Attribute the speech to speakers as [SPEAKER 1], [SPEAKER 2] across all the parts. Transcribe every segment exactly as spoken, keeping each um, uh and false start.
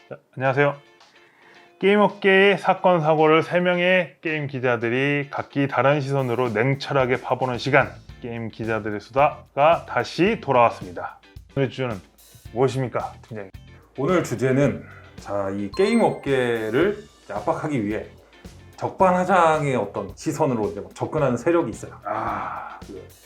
[SPEAKER 1] 자, 안녕하세요. 게임 업계의 사건 사고를 세 명의 게임 기자들이 각기 다른 시선으로 냉철하게 파보는 시간, 게임 기자들의 수다가 다시 돌아왔습니다. 오늘 주제는 무엇입니까, 팀장님?
[SPEAKER 2] 오늘 주제는 자, 이 게임 업계를 압박하기 위해 적반하장의 어떤 시선으로 이제 막 접근하는 세력이 있어요.
[SPEAKER 1] 아,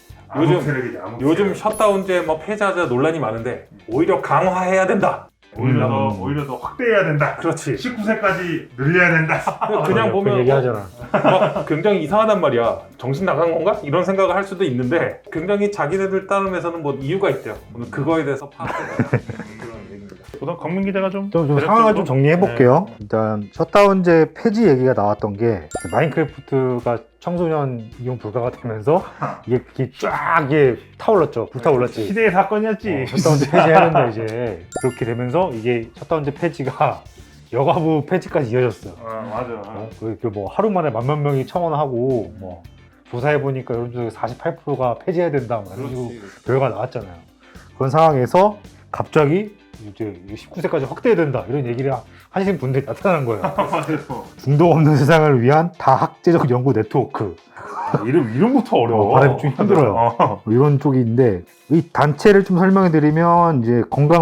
[SPEAKER 2] 요즘
[SPEAKER 1] 세력이지, 암흑
[SPEAKER 2] 요즘
[SPEAKER 1] 세력.
[SPEAKER 2] 셧다운제 뭐 폐자자 논란이 많은데 오히려 강화해야 된다.
[SPEAKER 1] 오히려 더
[SPEAKER 2] 음.
[SPEAKER 1] 오히려 더 확대해야 된다.
[SPEAKER 2] 그렇지.
[SPEAKER 1] 십구 세까지 늘려야 된다.
[SPEAKER 2] 그냥 보면
[SPEAKER 3] 그 얘기하잖아.
[SPEAKER 2] 막 굉장히 이상하단 말이야. 정신 나간 건가? 이런 생각을 할 수도 있는데 굉장히 자기네들 따름에서는 뭐 이유가 있대요. 오늘 그거에 대해서 파악해봐야 그런 얘기입니다.
[SPEAKER 1] 우선 광민 기자가 좀,
[SPEAKER 3] 좀, 좀
[SPEAKER 1] 대략적으로?
[SPEAKER 3] 상황을 좀 정리해 볼게요. 일단 셧다운제 폐지 얘기가 나왔던 게 마인크래프트가 청소년 이용 불가가 되면서 이게, 이게 쫙 이게 타올랐죠. 불타올랐지.
[SPEAKER 1] 시대의 사건이었지.
[SPEAKER 3] 어, 셧다운제 폐지해야 된다 이제. 그렇게 되면서 이게 셧다운제 폐지가 여가부 폐지까지 이어졌어요.
[SPEAKER 1] 어, 맞아.
[SPEAKER 3] 어, 그뭐 하루 만에 만만 명이 청원하고 뭐 조사해 보니까 여러분들 사십팔 퍼센트가 폐지해야 된다 뭐 이런 식으로 결과가 나왔잖아요. 그런 상황에서 갑자기 이제 십구 세까지 확대해야 된다 이런 얘기를 하시는 분들이 나타난 거예요.
[SPEAKER 1] 맞아요.
[SPEAKER 3] 중독 없는 세상을 위한 다학제적 연구 네트워크.
[SPEAKER 1] 이름 이름부터 어려워.
[SPEAKER 3] 어, 발음이 좀 힘들어요.
[SPEAKER 1] 어.
[SPEAKER 3] 뭐 이런 쪽이 있는데 이 단체를 좀 설명해 드리면 이제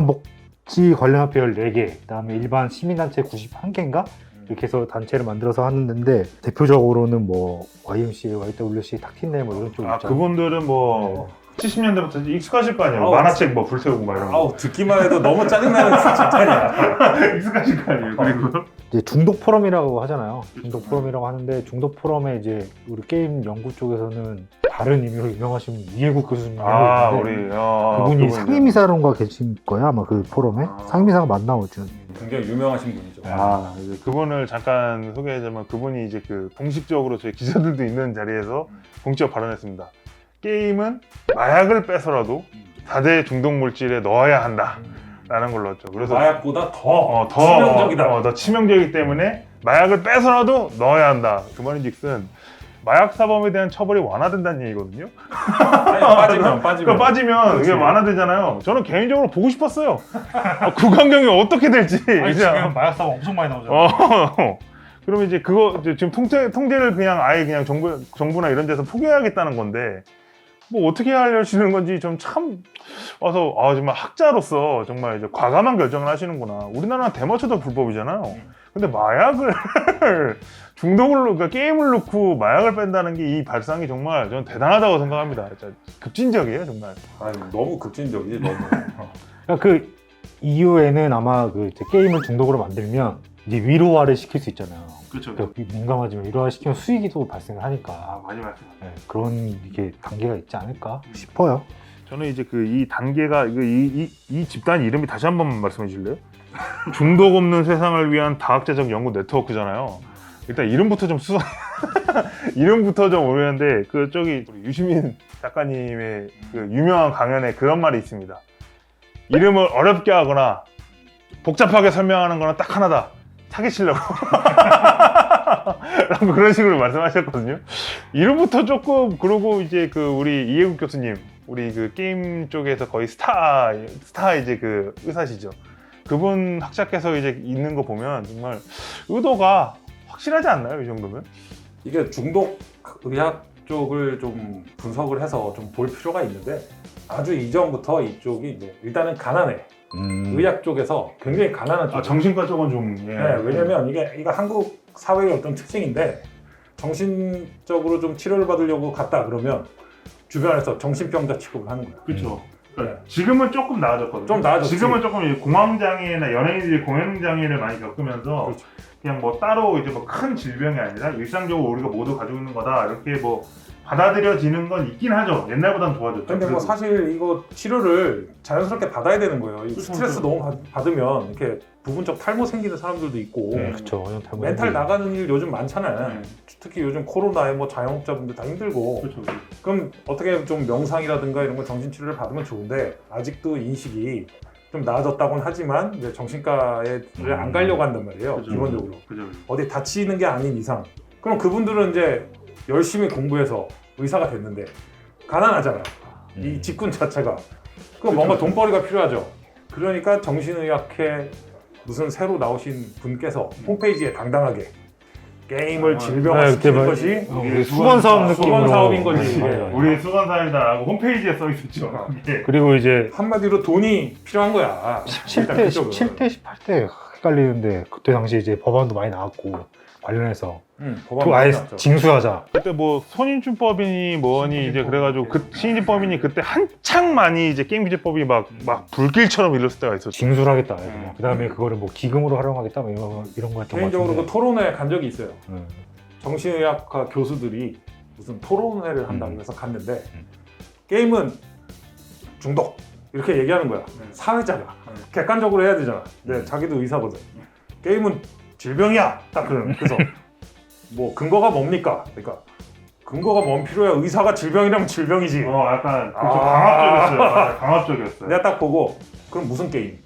[SPEAKER 3] 건강복지 관련 협회 열네 개, 그다음에 일반 시민단체 구십일 개인가 이렇게 해서 단체를 만들어서 하는 데인데 대표적으로는 뭐 와이엠씨, 와이더블유씨, 탁틴네 뭐 이런 쪽
[SPEAKER 1] 아,
[SPEAKER 3] 있잖아요.
[SPEAKER 1] 그분들은 뭐 칠십 년대부터 익숙하실 거 아니에요.
[SPEAKER 2] 아우,
[SPEAKER 1] 만화책 뭐 불태우고 막 이런 거.
[SPEAKER 2] 아우 듣기만 해도 너무 짜증나는 진짜냐.
[SPEAKER 1] 익숙하실 거 아니에요. 그리고
[SPEAKER 3] 이제 중독 포럼이라고 하잖아요. 중독 포럼이라고 하는데 중독 포럼에 이제 우리 게임 연구 쪽에서는 다른 의미로 유명하신 이해국 교수님
[SPEAKER 1] 아,
[SPEAKER 3] 있는데
[SPEAKER 1] 우리 어,
[SPEAKER 3] 그분이
[SPEAKER 1] 그분이죠.
[SPEAKER 3] 상임이사론가 계신 거야 아마 그 포럼에
[SPEAKER 1] 아.
[SPEAKER 3] 상임이사가 맞나오죠.
[SPEAKER 2] 굉장히 유명하신 분이죠.
[SPEAKER 1] 아, 이제 그분을 잠깐 소개하자면 그분이 이제 그 공식적으로 저희 기자들도 있는 자리에서 공적 발언했습니다. 게임은 마약을 빼서라도 다대 중독 물질에 넣어야 한다라는 걸로 했죠. 그래서
[SPEAKER 2] 마약보다 더,
[SPEAKER 1] 어, 더
[SPEAKER 2] 치명적이다.
[SPEAKER 1] 어, 더 치명적이기 때문에 마약을 빼서라도 넣어야 한다. 그 말인즉슨 마약 사범에 대한 처벌이 완화된다는 얘기거든요.
[SPEAKER 2] 아니, 빠지면 빠지면.
[SPEAKER 1] 그러니까 빠지면
[SPEAKER 2] 그렇지.
[SPEAKER 1] 이게 완화되잖아요. 저는 개인적으로 보고 싶었어요. 아, 구강경이 어떻게 될지. 그냥.
[SPEAKER 3] 마약사가 엄청 많이 나오잖아.
[SPEAKER 1] 어. 그러면 이제 그거 이제 지금 통제 통제를 그냥 아예 그냥 정부 정부나 이런 데서 포기해야겠다는 건데 뭐 어떻게 하려시는 건지 좀 참 와서 아 정말 학자로서 정말 이제 과감한 결정을 하시는구나. 우리나라는 대마초도 불법이잖아요. 근데 마약을 중독을 그러니까 게임을 넣고 마약을 뺀다는 게 이 발상이 정말 저는 대단하다고 생각합니다. 진짜 급진적이에요 정말.
[SPEAKER 2] 아니, 너무 급진적이지 너무.
[SPEAKER 3] 그러니까 그 이후에는 아마 그 이제 게임을 중독으로 만들면 이제 위로화를 시킬 수 있잖아요.
[SPEAKER 1] 그렇죠.
[SPEAKER 3] 그러니까 민감하지만 위로화 시키면 수익이 또 발생을 하니까
[SPEAKER 1] 많이 말씀.
[SPEAKER 3] 네, 그런 이게 단계가 있지 않을까 싶어요.
[SPEAKER 1] 저는 이제 그 이 단계가 이거 이, 이, 이 집단 이름이 다시 한 번만 말씀해 주실래요? 중독 없는 세상을 위한 다학제적 연구 네트워크잖아요. 일단 이름부터 좀 수상 이름부터 좀 오르는데 그 저기 우리 유시민 작가님의 그 유명한 강연에 그런 말이 있습니다. 이름을 어렵게 하거나 복잡하게 설명하는 거는 딱 하나다. 사기치려고. 라고 그런 식으로 말씀하셨거든요. 이름부터 조금 그러고 이제 그 우리 이해국 교수님 우리 그 게임 쪽에서 거의 스타 스타 이제 그 의사시죠. 그분 학자께서 이제 있는 거 보면 정말 의도가 확실하지 않나요? 이 정도면?
[SPEAKER 2] 이게 중독 의학 쪽을 좀 분석을 해서 좀 볼 필요가 있는데 아주 이전부터 이쪽이 이제 일단은 가난해.
[SPEAKER 3] 음.
[SPEAKER 2] 의학 쪽에서 굉장히 가난한 쪽.
[SPEAKER 1] 아 정신과 쪽은 좀 예.
[SPEAKER 2] 네, 왜냐면 이게 이거 한국 사회의 어떤 특징인데 정신적으로 좀 치료를 받으려고 갔다 그러면 주변에서 정신병자 취급을 하는 거야.
[SPEAKER 1] 그렇죠. 그러니까 지금은 조금 나아졌거든요.
[SPEAKER 2] 좀 나아졌지.
[SPEAKER 1] 지금은 조금 이제 공황장애나 연예인들이 공황장애를 많이 겪으면서
[SPEAKER 2] 그렇죠.
[SPEAKER 1] 그냥 뭐 따로 이제 뭐 큰 질병이 아니라 일상적으로 우리가 모두 가지고 있는 거다 이렇게 뭐 받아들여지는 건 있긴 하죠. 옛날보다는 좋아졌죠.
[SPEAKER 2] 근데 뭐
[SPEAKER 1] 그래도.
[SPEAKER 2] 사실 이거 치료를 자연스럽게 받아야 되는 거예요. 이
[SPEAKER 1] 그렇죠,
[SPEAKER 2] 스트레스
[SPEAKER 1] 그렇죠.
[SPEAKER 2] 너무 받- 받으면 이렇게 부분적 탈모 생기는 사람들도 있고
[SPEAKER 1] 네.
[SPEAKER 3] 그렇죠.
[SPEAKER 2] 멘탈 나가는 일 요즘 많잖아요.
[SPEAKER 1] 네.
[SPEAKER 2] 특히 요즘 코로나에 뭐 자영업자분들 다 힘들고
[SPEAKER 1] 그렇죠.
[SPEAKER 2] 그럼 어떻게 좀 명상이라든가 이런 거 정신치료를 받으면 좋은데 아직도 인식이 좀 나아졌다고는 하지만 이제 정신과에 안 가려고 한단 말이에요.
[SPEAKER 1] 그죠.
[SPEAKER 2] 기본적으로
[SPEAKER 1] 그죠.
[SPEAKER 2] 어디 다치는 게 아닌 이상 그럼 그분들은 이제 열심히 공부해서 의사가 됐는데 가난하잖아요. 이 직군 자체가 그럼 뭔가 돈벌이가 필요하죠. 그러니까 정신의학회 무슨 새로 나오신 분께서 홈페이지에 당당하게 게임을
[SPEAKER 1] 아,
[SPEAKER 2] 질병화시키는
[SPEAKER 3] 네,
[SPEAKER 2] 것이
[SPEAKER 3] 어,
[SPEAKER 1] 이게
[SPEAKER 3] 수건 사업
[SPEAKER 1] 수건
[SPEAKER 3] 느낌으로
[SPEAKER 2] 수건 사업인 거지.
[SPEAKER 3] 네,
[SPEAKER 2] 예.
[SPEAKER 3] 맞아요.
[SPEAKER 1] 우리 수건사입니다라고 홈페이지에 써 있었죠. 예.
[SPEAKER 3] 그리고 이제
[SPEAKER 2] 한마디로 돈이 필요한 거야.
[SPEAKER 3] 십칠 대,
[SPEAKER 2] 일단 그쪽은.
[SPEAKER 3] 십칠 대, 십팔 대 헷갈리는데 그때 당시 이제 법안도 많이 나왔고 관련해서
[SPEAKER 2] 응,
[SPEAKER 3] 또
[SPEAKER 2] 법안
[SPEAKER 3] 아예
[SPEAKER 2] 많이 나왔죠.
[SPEAKER 3] 징수하자.
[SPEAKER 1] 그때 뭐 손인준법이니 뭐니 이제 그래가지고 그 신인법이니 그때 한창 많이 이제 게임 규제법이 막 막 불길처럼 일었을 때가 있었죠.
[SPEAKER 3] 징수를 하겠다.
[SPEAKER 1] 음.
[SPEAKER 3] 그 다음에 그거를 뭐 기금으로 활용하겠다. 뭐 이런, 이런 거 했던 것
[SPEAKER 2] 개인적으로 그
[SPEAKER 3] 같은데.
[SPEAKER 2] 토론회 간 적이 있어요.
[SPEAKER 3] 음.
[SPEAKER 2] 정신의학과 교수들이 무슨 토론회를 한다고
[SPEAKER 3] 음.
[SPEAKER 2] 해서 갔는데
[SPEAKER 3] 음.
[SPEAKER 2] 게임은 중독 이렇게 얘기하는 거야.
[SPEAKER 1] 음.
[SPEAKER 2] 사회자가
[SPEAKER 1] 음.
[SPEAKER 2] 객관적으로 해야 되잖아. 근데
[SPEAKER 3] 음.
[SPEAKER 2] 자기도 의사거든. 게임은 질병이야. 딱 그러는. 그래서 뭐 근거가 뭡니까? 그러니까 근거가 뭔 필요야? 의사가 질병이라면 질병이지.
[SPEAKER 1] 어 약간 그좀
[SPEAKER 2] 아.
[SPEAKER 1] 강압적이었어요. 맞아요. 강압적이었어요.
[SPEAKER 2] 내가 딱 보고 그럼 무슨 게임?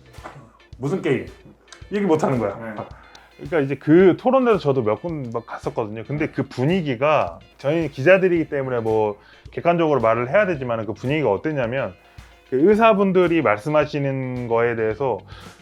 [SPEAKER 2] 무슨 게임? 얘기 못 하는 거야.
[SPEAKER 1] 네. 그러니까 이제 그 토론에서 저도 몇 군 갔었거든요. 근데 그 분위기가 저희 기자들이기 때문에 뭐 객관적으로 말을 해야 되지만 그 분위기가 어땠냐면 그 의사분들이 말씀하시는 거에 대해서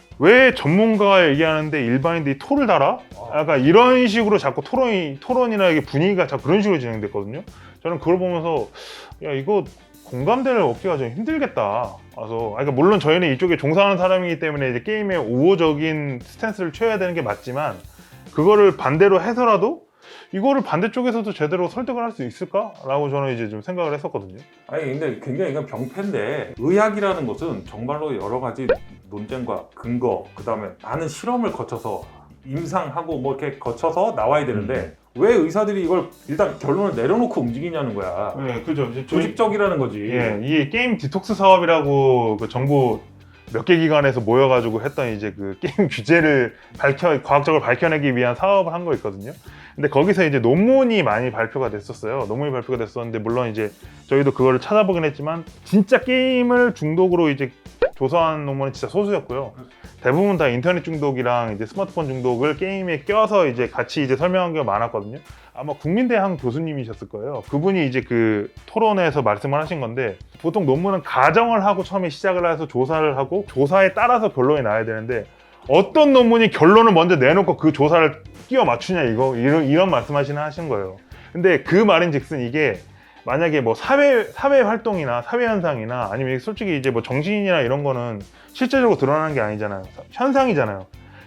[SPEAKER 1] 왜 전문가가 얘기하는데 일반인들이 토를 달아? 약간 이런 식으로 자꾸 토론이 토론이나 이게 분위기가 자꾸 그런 식으로 진행됐거든요. 저는 그걸 보면서 야 이거 공감대를 얻기가 좀 힘들겠다. 그래서 그러니까 물론 저희는 이쪽에 종사하는 사람이기 때문에 이제 게임에 우호적인 스탠스를 취해야 되는 게 맞지만 그거를 반대로 해서라도 이거를 반대쪽에서도 제대로 설득을 할 수 있을까라고 저는 이제 좀 생각을 했었거든요.
[SPEAKER 2] 아니 근데 굉장히 이건 병폐인데 의학이라는 것은 정말로 여러 가지 논쟁과 근거 그다음에 많은 실험을 거쳐서 임상하고 뭐 이렇게 거쳐서 나와야 되는데 왜 의사들이 이걸 일단 결론을 내려놓고 움직이냐는 거야.
[SPEAKER 1] 네, 그죠. 이제 저희-
[SPEAKER 2] 조직적이라는 거지.
[SPEAKER 1] 예, 이 게임 디톡스 사업이라고 그 정부 몇 개 기관에서 모여가지고 했던 이제 그 게임 규제를 밝혀 과학적으로 밝혀내기 위한 사업을 한 거 있거든요. 근데 거기서 이제 논문이 많이 발표가 됐었어요. 논문이 발표가 됐었는데 물론 이제 저희도 그거를 찾아보긴 했지만 진짜 게임을 중독으로 이제 조사한 논문은 진짜 소수였고요. 대부분 다 인터넷 중독이랑 이제 스마트폰 중독을 게임에 껴서 이제 같이 이제 설명한 게 많았거든요. 아마 국민대학 교수님이셨을 거예요. 그분이 이제 그 토론회에서 말씀을 하신 건데 보통 논문은 가정을 하고 처음에 시작을 해서 조사를 하고 조사에 따라서 결론이 나야 되는데 어떤 논문이 결론을 먼저 내놓고 그 조사를 끼워 맞추냐 이거 이런, 이런 말씀하시는 하신 거예요. 근데 그 말인즉슨 이게 만약에 뭐 사회 사회 활동이나 사회 현상이나 아니면 솔직히 이제 뭐 정신이나 이런 거는 실제적으로 드러나는 게 아니잖아요. 현상이잖아요.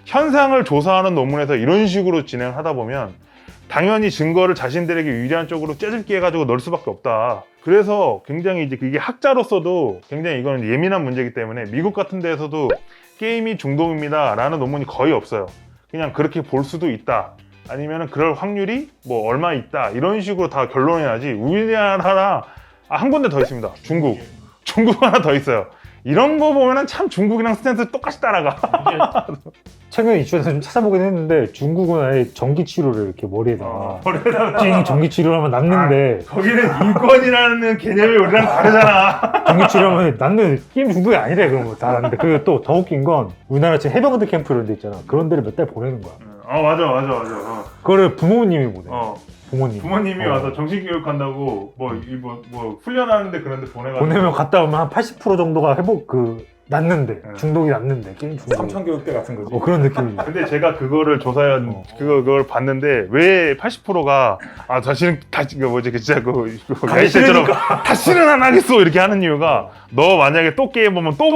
[SPEAKER 1] 현상을 조사하는 논문에서 이런 식으로 진행하다 보면 당연히 증거를 자신들에게 유리한 쪽으로 째집기 해가지고 넣을 수밖에 없다. 그래서 굉장히 이제 그게 학자로서도 굉장히 이거는 예민한 문제이기 때문에 미국 같은 데에서도 게임이 중독입니다 라는 논문이 거의 없어요. 그냥 그렇게 볼 수도 있다. 아니면 그럴 확률이 뭐 얼마 있다. 이런 식으로 다 결론이 나지. 우리나라 아, 한 군데 더 있습니다. 중국. 중국 하나 더 있어요. 이런 거 보면은 참 중국이랑 스탠스 똑같이 따라가.
[SPEAKER 3] 최근에 이슈에서 좀 찾아보긴 했는데 중국은 아예 전기 치료를 이렇게 머리에다가
[SPEAKER 1] 어, 머리에다가
[SPEAKER 3] 찡 전기 치료를 하면 낫는데
[SPEAKER 1] 거기는 인권이라는 개념이 우리랑 다르잖아.
[SPEAKER 3] 전기 치료하면 낫는 게임 중독이 아니래 그런 거 다 낫는데 그리고 또 더 웃긴 건 우리나라 지금 해병대 캠프 이런 데 있잖아 그런 데를 몇 달 보내는 거야
[SPEAKER 1] 어 맞아 맞아 맞아. 어.
[SPEAKER 3] 그거를 부모님이 보내
[SPEAKER 1] 어.
[SPEAKER 3] 부모님
[SPEAKER 1] 부모님이
[SPEAKER 3] 어.
[SPEAKER 1] 와서 정신교육 한다고 뭐, 이 뭐, 뭐 훈련하는데 그런데 보내가지고
[SPEAKER 3] 보내면 갔다 오면 한 팔십 퍼센트 정도가 회복 그 낫는데
[SPEAKER 1] 네.
[SPEAKER 3] 중독이 낫는데 게임 중독이
[SPEAKER 2] 삼천교육대 같은 거지.
[SPEAKER 3] 어 그런 느낌이
[SPEAKER 1] 근데 제가 그거를 조사한
[SPEAKER 3] 어.
[SPEAKER 1] 그거 그걸 봤는데 왜 팔십 퍼센트가 아 다시는 다시 그 뭐지 그 진짜 그, 그
[SPEAKER 3] 가기
[SPEAKER 1] 야이새처럼 다시는 안 하겠어 이렇게 하는 이유가 너 만약에 또 게임 보면 또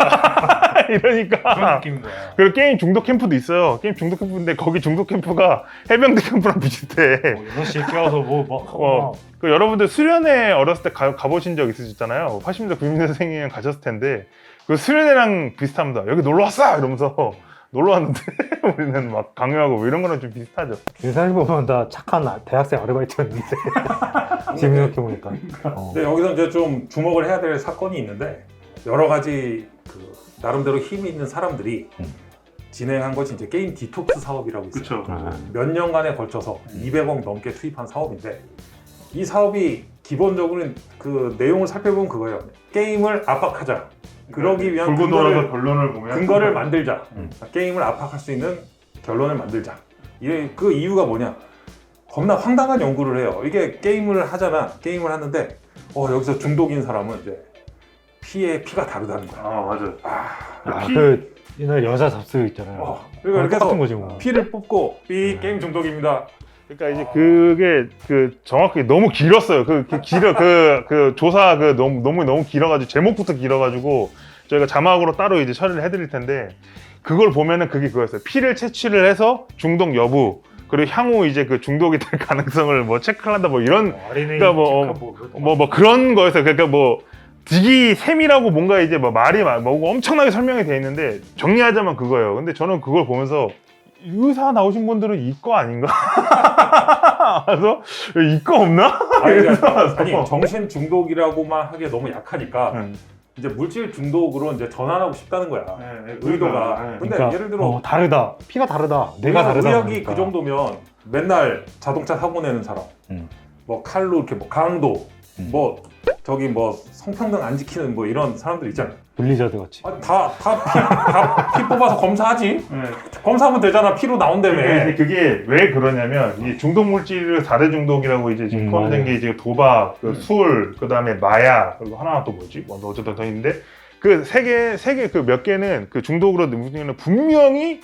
[SPEAKER 1] 보낸다 이러니까
[SPEAKER 3] 느낌인 거야
[SPEAKER 1] 그리고 게임 중독 캠프도 있어요. 게임 중독 캠프인데 거기 중독 캠프가 해병대 캠프랑 비슷해.
[SPEAKER 3] 여섯 시에 깨워서 뭐막
[SPEAKER 1] 어, 그 여러분들 수련회 어렸을 때 가, 가보신 적 있으시잖아요. 팔십 년대 구십 년생이면 가셨을 텐데 그 수련회랑 비슷합니다. 여기 놀러 왔어 이러면서 놀러 왔는데 우리는 막 강요하고 뭐 이런 거랑 좀 비슷하죠.
[SPEAKER 3] 생각해보면 다 착한 대학생 아르바이트였는데 지금 생각해보니까 어.
[SPEAKER 2] 근데 여기서 이제 좀 주목을 해야 될 사건이 있는데 여러 가지 그 나름대로 힘이 있는 사람들이
[SPEAKER 3] 음.
[SPEAKER 2] 진행한 것이 이제 게임 디톡스 사업이라고 있어요.
[SPEAKER 1] 그렇죠.
[SPEAKER 3] 아.
[SPEAKER 2] 몇 년간에 걸쳐서 이백억 넘게 투입한 사업인데 이 사업이 기본적으로는 그 내용을 살펴보면 그거예요. 게임을 압박하자. 그러기 위한
[SPEAKER 1] 돌고 돌아서
[SPEAKER 2] 근거를,
[SPEAKER 1] 결론을 보면
[SPEAKER 2] 근거를 만들자.
[SPEAKER 3] 음.
[SPEAKER 2] 게임을 압박할 수 있는 결론을 만들자. 이- 그 이유가 뭐냐? 겁나 황당한 연구를 해요. 이게 게임을 하잖아. 게임을 하는데 어, 여기서 중독인 사람은 이제 피의 피가 다르다는 거야.
[SPEAKER 1] 아 맞아.
[SPEAKER 3] 아,
[SPEAKER 1] 피-
[SPEAKER 3] 그 옛날 여자 잡스 있잖아요.
[SPEAKER 2] 어, 그러니까 이렇게
[SPEAKER 3] 똑같은
[SPEAKER 2] 해서
[SPEAKER 3] 거지 뭐.
[SPEAKER 2] 피를 뽑고 삐
[SPEAKER 3] 네.
[SPEAKER 2] 게임 중독입니다.
[SPEAKER 1] 그러니까 이제 그게 그 정확히 너무 길었어요. 그, 그 길어 그, 그 조사 그 너무 너무 너무 길어가지고 제목부터 길어가지고 저희가 자막으로 따로 이제 처리를 해드릴 텐데 그걸 보면은 그게 그거였어요. 피를 채취를 해서 중독 여부 그리고 향후 이제 그 중독이 될 가능성을 뭐 체크한다 뭐 이런 그러니까 뭐, 뭐, 뭐 그런 거였어요. 그러니까 뭐 되게 세밀하고 뭔가 이제 뭐 말이 막 뭐 엄청나게 설명이 돼 있는데 정리하자면 그거예요. 근데 저는 그걸 보면서 의사 나오신 분들은 이과 아닌가? 그래서 이과 없나?
[SPEAKER 2] 아니,
[SPEAKER 1] 이래서
[SPEAKER 2] 그러니까, 아니 정신 중독이라고만 하기에 너무 약하니까
[SPEAKER 1] 응.
[SPEAKER 2] 이제 물질 중독으로 이제 전환하고 싶다는 거야.
[SPEAKER 1] 네,
[SPEAKER 2] 의도가.
[SPEAKER 1] 네.
[SPEAKER 2] 근데
[SPEAKER 3] 그러니까,
[SPEAKER 2] 예를 들어
[SPEAKER 3] 어, 다르다. 피가 다르다. 내가 다르다.
[SPEAKER 2] 의학이
[SPEAKER 3] 그러니까.
[SPEAKER 2] 그 정도면 맨날 자동차 사고 내는 사람,
[SPEAKER 3] 음.
[SPEAKER 2] 뭐 칼로 이렇게 뭐 강도,
[SPEAKER 3] 음.
[SPEAKER 2] 뭐 저기 뭐 성평등 안 지키는 뭐 이런 사람들 있잖아.
[SPEAKER 3] 블리자드 같이.
[SPEAKER 2] 아, 다다피 뽑아서 검사하지.
[SPEAKER 1] 네.
[SPEAKER 2] 검사하면 되잖아. 피로 나온다며.
[SPEAKER 1] 근데 그게 왜 그러냐면 이 중독 물질을 사 대 중독이라고 이제 지금
[SPEAKER 3] 음,
[SPEAKER 1] 포함된
[SPEAKER 3] 맞아요.
[SPEAKER 1] 게 이제 도박, 그
[SPEAKER 2] 음.
[SPEAKER 1] 술, 그다음에 마약 그리고 하나 또 뭐지? 뭐 어쨌든 더 있는데 그 세 개 세 개 그 몇 개는 그 중독으로 무슨 분명히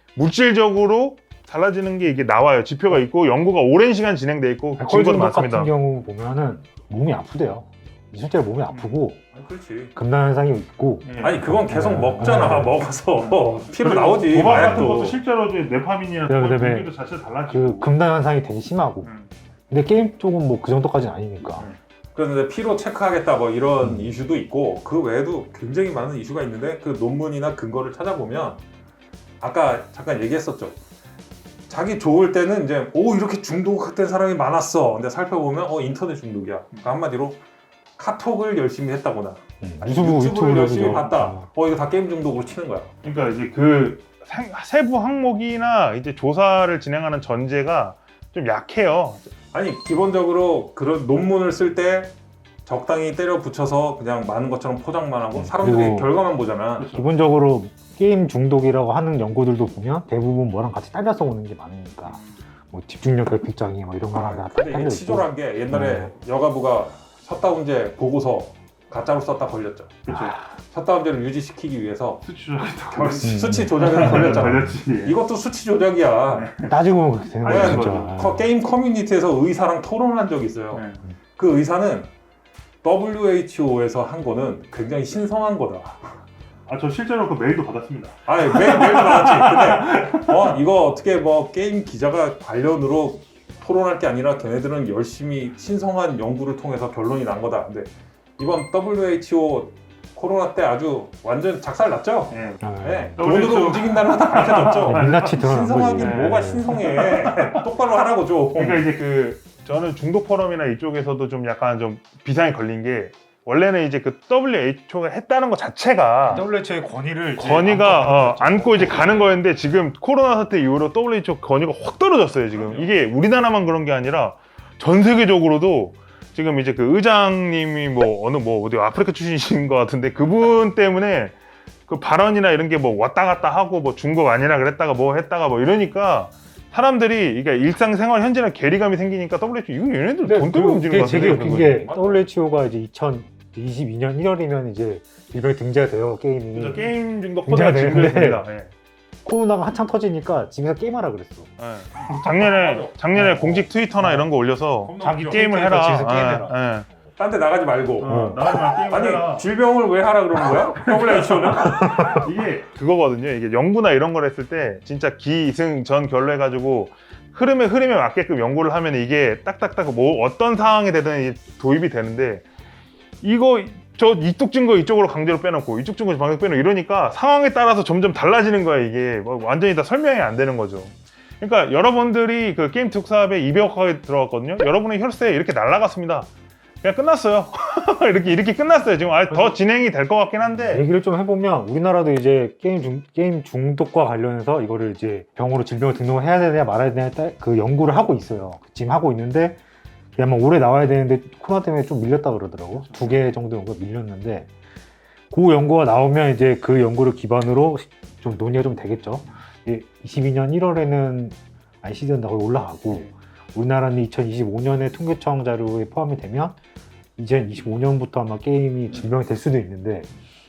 [SPEAKER 1] 물질적으로 달라지는 게 이게 나와요. 지표가 있고 연구가 오랜 시간 진행돼 있고
[SPEAKER 3] 알코올
[SPEAKER 1] 증거도
[SPEAKER 3] 중독
[SPEAKER 1] 많습니다.
[SPEAKER 3] 같은 경우 보면은 몸이 아프대요. 실제로 몸이 아프고
[SPEAKER 2] 아니, 그렇지.
[SPEAKER 3] 금단 현상이 있고.
[SPEAKER 1] 예.
[SPEAKER 2] 아니 그건 계속
[SPEAKER 3] 네.
[SPEAKER 2] 먹잖아.
[SPEAKER 3] 네.
[SPEAKER 2] 먹어서 피로
[SPEAKER 1] 그리고
[SPEAKER 2] 나오지.
[SPEAKER 1] 도박 같은
[SPEAKER 2] 마약도.
[SPEAKER 1] 것도 실제로 이제 네파민이나
[SPEAKER 3] 네,
[SPEAKER 1] 도박
[SPEAKER 3] 그다음에
[SPEAKER 1] 분기도 자체가
[SPEAKER 3] 그
[SPEAKER 1] 달라지고.
[SPEAKER 3] 금단 현상이 되게 심하고.
[SPEAKER 1] 음.
[SPEAKER 3] 근데 게임 쪽은 뭐 그 정도까지는 아니니까.
[SPEAKER 1] 음.
[SPEAKER 2] 그런데 피로 체크하겠다 뭐 이런
[SPEAKER 3] 음.
[SPEAKER 2] 이슈도 있고 그 외에도 굉장히 많은 이슈가 있는데 그 논문이나 근거를 찾아보면 아까 잠깐 얘기했었죠. 자기 좋을 때는 이제 오 이렇게 중독된 사람이 많았어. 근데 살펴보면 어 인터넷 중독이야. 그러니까 한마디로 카톡을 열심히 했다거나
[SPEAKER 3] 음.
[SPEAKER 2] 아니,
[SPEAKER 3] 유튜브
[SPEAKER 2] 유튜브를
[SPEAKER 3] 유튜브를
[SPEAKER 2] 열심히
[SPEAKER 3] 그죠.
[SPEAKER 2] 봤다.
[SPEAKER 3] 어.
[SPEAKER 2] 어 이거 다 게임 중독으로 치는 거야.
[SPEAKER 1] 그러니까 이제 그 생- 세부 항목이나 이제 조사를 진행하는 전제가 좀 약해요.
[SPEAKER 2] 아니 기본적으로 그런 논문을 쓸 때 적당히 때려 붙여서 그냥 많은 것처럼 포장만 하고
[SPEAKER 3] 음,
[SPEAKER 2] 사람들이
[SPEAKER 3] 그리고
[SPEAKER 2] 결과만 보잖아.
[SPEAKER 3] 기본적으로 게임 중독이라고 하는 연구들도 보면 대부분 뭐랑 같이 딸려서 오는 게 많으니까 뭐 집중력 결핍장애 뭐 이런 거랑 다
[SPEAKER 2] 근데 이게
[SPEAKER 3] 딸려 있고.
[SPEAKER 2] 치졸한 게 옛날에
[SPEAKER 3] 네.
[SPEAKER 2] 여가부가 셧다운제 보고서 가짜로 썼다 걸렸죠.
[SPEAKER 1] 그렇죠.
[SPEAKER 2] 샷다운제를 유지시키기 위해서
[SPEAKER 1] 수치 조작했다고.
[SPEAKER 2] 결- 수치 조작에서 걸렸잖아.
[SPEAKER 1] 걸렸지.
[SPEAKER 2] 이것도 수치 조작이야.
[SPEAKER 3] 따지고 보면 그렇게 되는 거야
[SPEAKER 2] 아니,
[SPEAKER 3] 진짜.
[SPEAKER 1] 맞아.
[SPEAKER 2] 커- 게임 커뮤니티에서 의사랑 토론한 적이 있어요.
[SPEAKER 1] 네.
[SPEAKER 2] 그 의사는 더블유에이치오에서 한 거는 굉장히 신성한 거다.
[SPEAKER 1] 아, 저 실제로 그 메일도 받았습니다.
[SPEAKER 2] 아니 매일 매일 나왔지. 근데 어 이거 어떻게 뭐 게임 기자가 관련으로 토론할 게 아니라 걔네들은 열심히 신성한 연구를 통해서 결론이 난 거다. 근데 이번 더블유에이치오 코로나 때 아주 완전 작살 났죠.
[SPEAKER 1] 네.
[SPEAKER 3] 아,
[SPEAKER 2] 네.
[SPEAKER 1] 더블유에이치오
[SPEAKER 2] 돈으로 움직인다는 거 다 밝혀졌죠.
[SPEAKER 3] 네, 민낯이 드러난
[SPEAKER 2] 신성하긴
[SPEAKER 3] 거지.
[SPEAKER 2] 뭐가
[SPEAKER 1] 네.
[SPEAKER 2] 신성해. 똑바로 하라고 좀.
[SPEAKER 1] 그러니까 이제 그 저는 중독 포럼이나 이쪽에서도 좀 약간 좀 비상이 걸린 게 원래는 이제 그 더블유에이치오가 했다는 것 자체가
[SPEAKER 3] 더블유에이치오의 권위를
[SPEAKER 1] 건의가 어, 안고 이제 가는 거였는데 지금 코로나 사태 이후로 더블유에이치오 건의가 확 떨어졌어요. 지금 이게 우리나라만 그런 게 아니라 전 세계적으로도 지금 이제 그 의장님이 뭐 어느 뭐 어디 아프리카 출신이신 것 같은데 그분 때문에 그 발언이나 이런 게 뭐 왔다 갔다 하고 뭐 중국 아니라 그랬다가 뭐 했다가 뭐 이러니까 사람들이 이게 일상생활 현재랑 괴리감이 생기니까 더블유에이치오 이거 얘네들 돈 때문에 움직이는 것
[SPEAKER 3] 되게
[SPEAKER 1] 같은데
[SPEAKER 3] 웃긴 게 더블유에이치오가 이제 이천이십이 년 일월이면 이제 일본에 등재가 돼요 게임이.
[SPEAKER 1] 그래서 게임 중독
[SPEAKER 3] 문제가
[SPEAKER 1] 포괄
[SPEAKER 3] 되는데.
[SPEAKER 1] 진행됩니다. 예.
[SPEAKER 3] 코로나가 한창 터지니까 집에서 게임하라 그랬어.
[SPEAKER 1] 예. 작년에 작년에 공식 트위터나 이런 거 올려서
[SPEAKER 3] 자기
[SPEAKER 1] 게임을
[SPEAKER 3] 캐릭터
[SPEAKER 1] 해라.
[SPEAKER 3] 집에서 게임해라.
[SPEAKER 1] 예, 예.
[SPEAKER 2] 딴 데 나가지 말고.
[SPEAKER 1] 어, 나가지마 게임을
[SPEAKER 2] 아니
[SPEAKER 1] 해라.
[SPEAKER 2] 질병을 왜 하라 그러는 거야? 더블유에이치오는?
[SPEAKER 1] 이게 그거거든요. 이게 연구나 이런 걸 했을 때 진짜 기승전 결로 해가지고 흐름에 흐름에 맞게끔 연구를 하면 이게 딱딱딱 뭐 어떤 상황이 되든 이게 도입이 되는데 이거 저 이쪽 증거 이쪽으로 강제로 빼놓고 이쪽 증거 방역 빼놓고 이러니까 상황에 따라서 점점 달라지는 거야. 이게 뭐 완전히 다 설명이 안 되는 거죠. 그러니까 여러분들이 그 게임 특사업에 이백억하게 들어갔거든요. 여러분의 혈세 이렇게 날라갔습니다. 그냥 끝났어요. 이렇게 이렇게 끝났어요. 지금 아예 더 진행이 될 것 같긴 한데.
[SPEAKER 3] 얘기를 좀 해보면 우리나라도 이제 게임 중 게임 중독과 관련해서 이거를 이제 병으로 질병을 등록을 해야 되냐 말아야 되냐 그 연구를 하고 있어요. 지금 하고 있는데 아마 올해 나와야 되는데 코로나 때문에 좀 밀렸다 그러더라고. 두 개 정도 연구가 밀렸는데 그 연구가 나오면 이제 그 연구를 기반으로 좀 논의가 좀 되겠죠. 이십이 년 일월에는 아이씨디는 거의 올라가고 우리나라는 이천이십오 년에 통계청 자료에 포함이 되면 이천이십오 년부터 아마 게임이 질병이 될 수도 있는데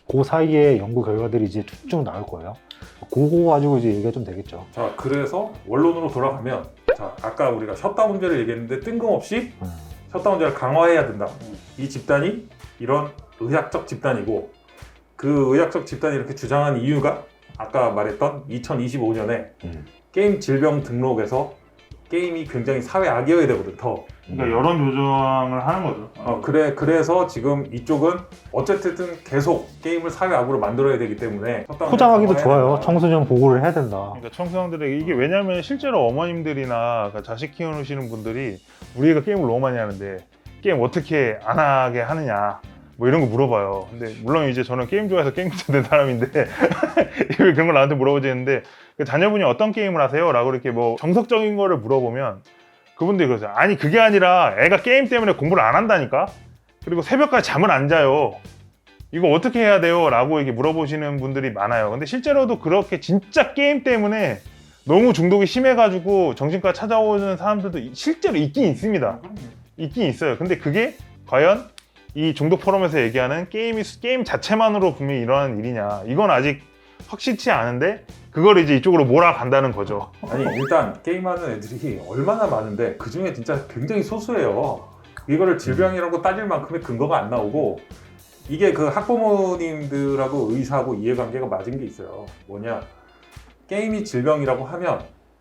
[SPEAKER 3] 그 사이에 연구 결과들이 이제 쭉쭉 나올 거예요. 그거 가지고 이제 얘기가 좀 되겠죠.
[SPEAKER 2] 자, 그래서 원론으로 돌아가면, 자, 아까 우리가 셧다운 문제를 얘기했는데 뜬금없이
[SPEAKER 3] 음.
[SPEAKER 2] 셧다운 문제를 강화해야 된다. 이 집단이 이런 의학적 집단이고, 그 의학적 집단이 이렇게 주장한 이유가 아까 말했던 이천이십오 년에
[SPEAKER 3] 음.
[SPEAKER 2] 게임 질병 등록에서 게임이 굉장히 사회 악이어야 되거든, 더.
[SPEAKER 1] 그러니까 여론 조정을 하는 거죠.
[SPEAKER 2] 어, 그래, 그래서 지금 이쪽은 어쨌든 계속 게임을 사회 악으로 만들어야 되기 때문에
[SPEAKER 3] 포장하기도
[SPEAKER 2] 강화해야
[SPEAKER 3] 좋아요.
[SPEAKER 2] 된다.
[SPEAKER 3] 청소년 보고를 해야 된다.
[SPEAKER 1] 그러니까 청소년들에게 이게 왜냐면 실제로 어머님들이나 그러니까 자식 키우시는 분들이 우리 애가 게임을 너무 많이 하는데 게임 어떻게 안 하게 하느냐 뭐 이런 거 물어봐요. 근데 물론 이제 저는 게임 좋아해서 게임 된 사람인데 왜 그런 걸 나한테 물어보지는데 그 자녀분이 어떤 게임을 하세요? 라고 이렇게 뭐 정석적인 거를 물어보면 그분들이 그러세요. 아니 그게 아니라 애가 게임 때문에 공부를 안 한다니까? 그리고 새벽까지 잠을 안 자요. 이거 어떻게 해야 돼요? 라고 이렇게 물어보시는 분들이 많아요. 근데 실제로도 그렇게 진짜 게임 때문에 너무 중독이 심해가지고 정신과 찾아오는 사람들도 실제로 있긴 있습니다. 있긴 있어요. 근데 그게 과연 이 중독 포럼에서 얘기하는 게임이, 게임 자체만으로 분명히 일어나는 일이냐. 이건 아직 확실치 않은데 그걸 이제 이쪽으로 몰아간다는 거죠.
[SPEAKER 2] 아니, 일단 게임하는 애들이 얼마나 많은데 그 중에 진짜 굉장히 소수예요. 이거를 질병이라고 따질 만큼의 근거가 안 나오고, 이게 그 학부모님들하고 의사하고 이해관계가 맞은 게 있어요. 뭐냐, 게임이 질병이라고 하면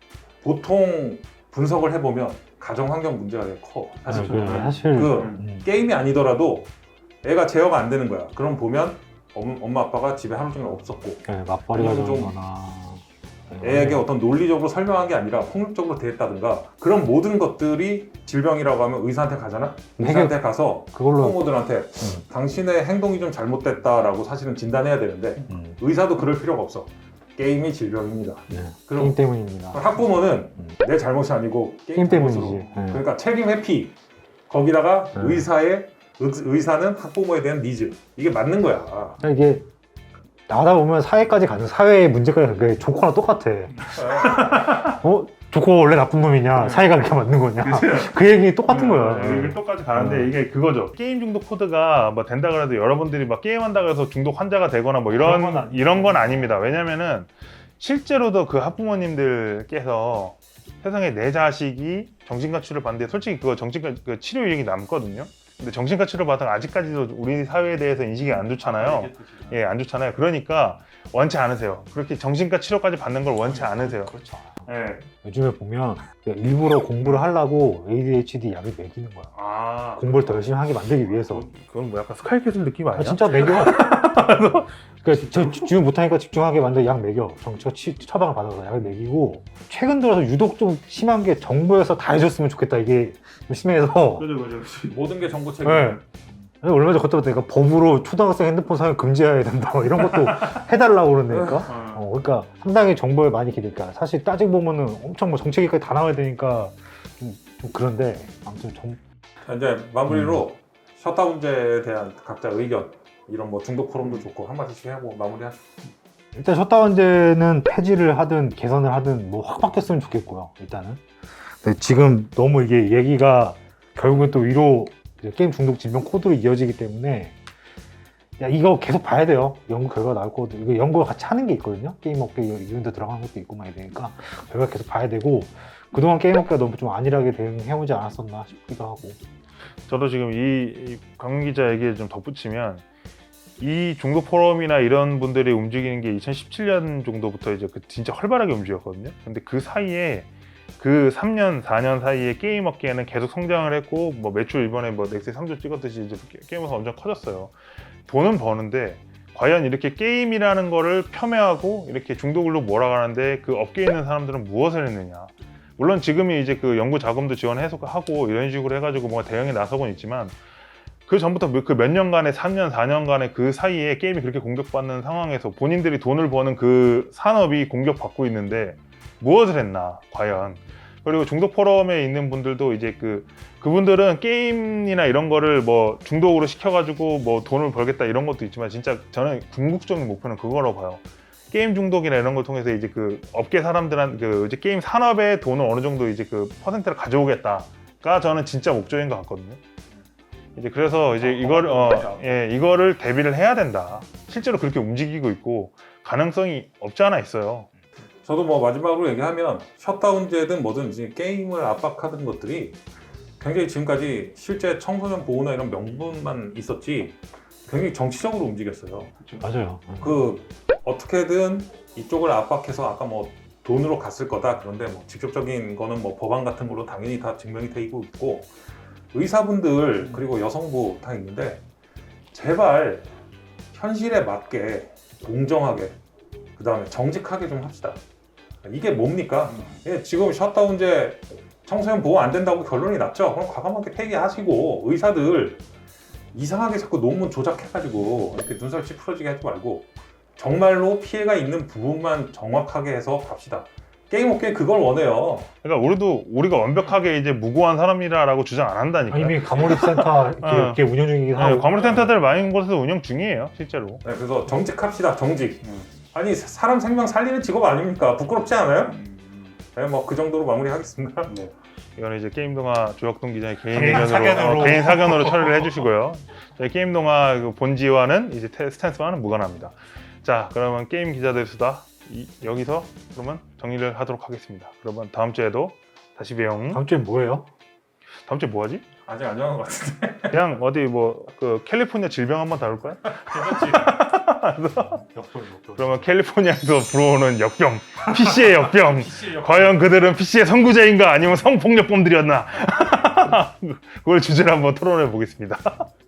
[SPEAKER 2] 보통 분석을 해보면 가정환경 문제가 되게 커. 사실
[SPEAKER 3] 아, 그래, 사실
[SPEAKER 2] 그
[SPEAKER 3] 음.
[SPEAKER 2] 게임이 아니더라도 애가 제어가 안 되는 거야. 그럼 보면 엄, 엄마 아빠가 집에 하루 종일 없었고,
[SPEAKER 3] 네, 맞벌이가
[SPEAKER 2] 좀
[SPEAKER 3] 되거나
[SPEAKER 2] 애에게 어떤 논리적으로 설명한 게 아니라 폭력적으로 대했다든가, 그런 모든 것들이 질병이라고 하면 의사한테 가잖아? 의사한테 가서
[SPEAKER 3] 그걸로
[SPEAKER 2] 학부모들한테
[SPEAKER 3] 음.
[SPEAKER 2] 당신의 행동이 좀 잘못됐다라고 사실은 진단해야 되는데,
[SPEAKER 3] 음.
[SPEAKER 2] 의사도 그럴 필요가 없어. 게임이 질병입니다.
[SPEAKER 3] 네.
[SPEAKER 2] 그럼
[SPEAKER 3] 게임 때문입니다.
[SPEAKER 2] 학부모는
[SPEAKER 3] 음.
[SPEAKER 2] 내 잘못이 아니고 게임,
[SPEAKER 3] 게임
[SPEAKER 2] 잘못으로.
[SPEAKER 3] 때문이지. 네.
[SPEAKER 2] 그러니까 책임 회피, 거기다가
[SPEAKER 3] 네.
[SPEAKER 2] 의사의 의, 의사는 학부모에 대한 니즈, 이게 맞는 거야.
[SPEAKER 3] 그러니까 이게 나다 보면 사회까지 가는 사회의 문제가 그게 조커랑 똑같아. 어? 조커 원래 나쁜 놈이냐? 사회가 그렇게 맞는 거냐? 그 얘기 똑같은 거야.
[SPEAKER 1] 여기 똑같이 가는데
[SPEAKER 3] 음.
[SPEAKER 1] 이게 그거죠. 게임 중독 코드가 뭐 된다 그래도 여러분들이 막 게임한다고 해서 중독 환자가 되거나 뭐 이런
[SPEAKER 3] 그런 건 아니에요.
[SPEAKER 1] 이런 건 아닙니다. 왜냐면은 실제로도 그 학부모님들께서 세상에 내 자식이 정신과 치료를 받는데 솔직히 그거 정신과 그 치료 이력이 남거든요. 근데 정신과 치료 받은 아직까지도 우리 사회에 대해서 인식이 안 좋잖아요. 예, 안 좋잖아요. 그러니까 원치 않으세요. 그렇게 정신과 치료까지 받는 걸 원치 않으세요.
[SPEAKER 3] 그렇죠.
[SPEAKER 1] 예.
[SPEAKER 3] 요즘에 보면 일부러 공부를 하려고 에이디에이치디 약을 먹이는 거야.
[SPEAKER 1] 아,
[SPEAKER 3] 공부를 더 열심히 하게 만들기 위해서.
[SPEAKER 1] 그건 뭐 약간 스카이캐슬 느낌 아니야?
[SPEAKER 3] 아, 진짜 먹여. 그러니까 저 집중 못하니까 집중하게 만들 약 먹여. 정치가 치, 처방을 받아서 약을 먹이고, 최근 들어서 유독 좀 심한 게 정부에서 다 해줬으면 좋겠다. 이게 좀 심해서.
[SPEAKER 1] 그죠, 그죠.
[SPEAKER 2] 모든 게 정보 책임.
[SPEAKER 3] 네. 얼마 전에 걷다 보니까 법으로 초등학생 핸드폰 사용 금지해야 된다. 뭐 이런 것도 해달라고 그러니까.
[SPEAKER 1] 어.
[SPEAKER 3] 어, 그러니까 상당히 정보에 많이 기대니까 사실 따지고 보면은 엄청 뭐 정책위까지 다 나와야 되니까 좀, 좀 그런데 아무튼 정,
[SPEAKER 2] 자, 이제 마무리로
[SPEAKER 3] 음.
[SPEAKER 2] 셧다운 문제에 대한 각자 의견, 이런 뭐 중독 포럼도 좋고 한마디씩 하고 마무리하시죠.
[SPEAKER 3] 일단 셧다운제는 폐지를 하든 개선을 하든 뭐 확 바뀌었으면 좋겠고요. 일단은. 근데 지금 너무 이게 얘기가 결국은 또 위로 이제 게임 중독 질병 코드로 이어지기 때문에 야 이거 계속 봐야 돼요. 연구 결과가 나올 거거든요. 이거 연구를 같이 하는 게 있거든요. 게임 업계 이런 데 들어가는 것도 있고 막 이러니까 결과 계속 봐야 되고, 그동안 게임 업계가 너무 좀 안일하게 대응해오지 않았었나 싶기도 하고.
[SPEAKER 1] 저도 지금 이 강민 기자 얘기를 좀 덧붙이면 이 중독 포럼이나 이런 분들이 움직이는 게 이천십칠 년 정도부터 이제 그 진짜 활발하게 움직였거든요. 근데 그 사이에 그 삼 년, 사 년 사이에 게임 업계는 계속 성장을 했고, 뭐 매출 이번에 뭐 넥스 삼 조 찍었듯이 이제 게임업가 엄청 커졌어요. 돈은 버는데 과연 이렇게 게임이라는 거를 폄훼하고 이렇게 중독으로 몰아가는데 그 업계에 있는 사람들은 무엇을 했느냐. 물론 지금이 이제 그 연구 자금도 지원해서 하고 이런 식으로 해가지고 뭔가 대응에 나서곤 있지만, 그 전부터 그 몇 년간의 삼 년, 사 년간의 그 사이에 게임이 그렇게 공격받는 상황에서 본인들이 돈을 버는 그 산업이 공격받고 있는데 무엇을 했나 과연. 그리고 중독 포럼에 있는 분들도 이제 그 그분들은 게임이나 이런 거를 뭐 중독으로 시켜가지고 뭐 돈을 벌겠다 이런 것도 있지만, 진짜 저는 궁극적인 목표는 그거라고 봐요. 게임 중독이나 이런 걸 통해서 이제 그 업계 사람들한 그 이제 게임 산업의 돈을 어느 정도 이제 그 퍼센트를 가져오겠다가 저는 진짜 목적인 것 같거든요. 이제 그래서 이제 이걸 어, 예, 이거를 대비를 해야 된다. 실제로 그렇게 움직이고 있고 가능성이 없지 않아 있어요.
[SPEAKER 2] 저도 뭐 마지막으로 얘기하면 셧다운제든 뭐든지 게임을 압박하던 것들이 굉장히 지금까지 실제 청소년 보호나 이런 명분만 있었지 굉장히 정치적으로 움직였어요.
[SPEAKER 3] 맞아요.
[SPEAKER 2] 그 어떻게든 이쪽을 압박해서 아까 뭐 돈으로 갔을 거다. 그런데 뭐 직접적인 거는 뭐 법안 같은 걸로 당연히 다 증명이 되고 있고 의사분들 그리고 여성부 다 있는데 제발 현실에 맞게 공정하게 그 다음에 정직하게 좀 합시다. 이게 뭡니까? 예, 지금 셧다운제 청소년 보호 안 된다고 결론이 났죠? 그럼 과감하게 폐기하시고 의사들 이상하게 자꾸 논문 조작해가지고 이렇게 눈살 찌푸러지게 하지 말고 정말로 피해가 있는 부분만 정확하게 해서 갑시다. 게임 업계 그걸 원해요.
[SPEAKER 1] 그러니까 우리도 우리가 완벽하게 이제 무고한 사람이라라고 주장 안 한다니까.
[SPEAKER 3] 아, 이미 가몰입센터 이렇게,
[SPEAKER 1] 어.
[SPEAKER 3] 이렇게 운영 중이긴 하고.
[SPEAKER 1] 과몰입센터들 많은 곳에서 운영 중이에요, 실제로.
[SPEAKER 2] 네, 그래서 정직합시다. 정직. 아니 사람 생명 살리는 직업 아닙니까? 부끄럽지 않아요? 네, 뭐 그 정도로 마무리하겠습니다.
[SPEAKER 3] 네.
[SPEAKER 1] 이거는 이제 게임동화 조혁동 기자의 개인
[SPEAKER 3] 개인
[SPEAKER 1] 의견으로
[SPEAKER 3] 사견으로.
[SPEAKER 1] 어, 개인 사견으로 처리를 해주시고요. 저희 게임동화 그 본지와는 이제 테- 스탠스와는 무관합니다. 자, 그러면 게임 기자들 수다 이- 여기서 그러면 정리를 하도록 하겠습니다. 그러면 다음 주에도 다시 봬용.
[SPEAKER 3] 다음 주엔 뭐예요?
[SPEAKER 1] 다음 주에 뭐 하지?
[SPEAKER 2] 아직 안 정한 것 같은데.
[SPEAKER 1] 그냥 어디 뭐 그 캘리포니아 질병 한번 다룰 거야?
[SPEAKER 3] 역돌 역돌.
[SPEAKER 1] 그러면 캘리포니아에서 불어오는 역병, 피씨의 역병. 과연 그들은 피씨의 선구자인가 아니면 성폭력범들이었나? 그걸 주제로 한번 토론해 보겠습니다.